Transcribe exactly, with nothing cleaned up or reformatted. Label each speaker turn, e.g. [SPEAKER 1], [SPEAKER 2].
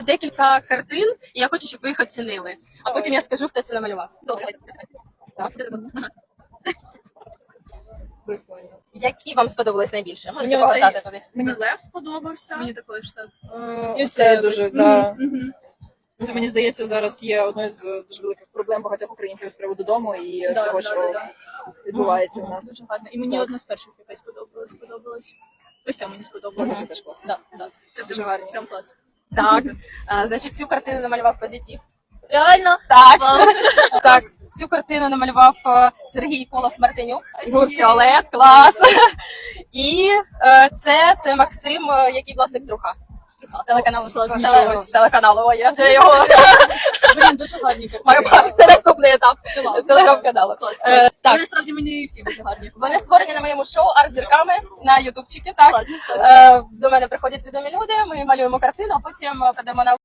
[SPEAKER 1] Декілька картин, і я хочу, щоб ви їх оцінили. А потім я скажу, хто це намалював. Добре. Так.
[SPEAKER 2] Прикольно.
[SPEAKER 1] Які вам сподобались найбільше? Можете
[SPEAKER 2] Мені
[SPEAKER 1] погадати
[SPEAKER 2] оцей-
[SPEAKER 1] кудись.
[SPEAKER 2] Мені Лев сподобався.
[SPEAKER 3] Мені також так.
[SPEAKER 2] Е,
[SPEAKER 3] І
[SPEAKER 2] Це
[SPEAKER 3] все
[SPEAKER 2] дуже,
[SPEAKER 3] якось.
[SPEAKER 2] да.
[SPEAKER 3] Мгм, мгм.
[SPEAKER 2] Це, мені здається, зараз є одною з дуже великих проблем багатьох українців з приводу дому і
[SPEAKER 3] Да,
[SPEAKER 2] всього,
[SPEAKER 3] да,
[SPEAKER 2] що
[SPEAKER 3] да, да.
[SPEAKER 2] відбувається у
[SPEAKER 3] Мгм,
[SPEAKER 2] нас.
[SPEAKER 3] Дуже гарно. І мені
[SPEAKER 2] Так.
[SPEAKER 3] одна з перших якась сподобалась. сподобалась. Ось ця мені
[SPEAKER 2] Мгм.
[SPEAKER 3] сподобалася.
[SPEAKER 2] Це теж класно.
[SPEAKER 3] Да, да.
[SPEAKER 2] Це дуже гарні.
[SPEAKER 3] Прям клас.
[SPEAKER 1] Так. А, значить, цю картину намалював Позитив. Реально? Так. Так, цю картину намалював е, Сергій Колос Мартинюк. Гурт Фіолет, клас. І е, це, це Максим, е, який власник друга. Телеканалу. Теле- Телеканалу, ой, я вже його.
[SPEAKER 3] Блін, дуже гарні
[SPEAKER 1] Маю
[SPEAKER 3] картини.
[SPEAKER 1] це наступний етап
[SPEAKER 3] Ціла.
[SPEAKER 1] телеграм-каналу.
[SPEAKER 3] Клас.
[SPEAKER 1] Е,
[SPEAKER 3] Так.
[SPEAKER 1] Так,
[SPEAKER 3] Насправді мені всі дуже гарні.
[SPEAKER 1] вони створені на моєму шоу арт-зірками на ютубчики. Так.
[SPEAKER 3] Клас, клас.
[SPEAKER 1] Е, До мене приходять відомі люди, ми малюємо картину, а потім подаємо на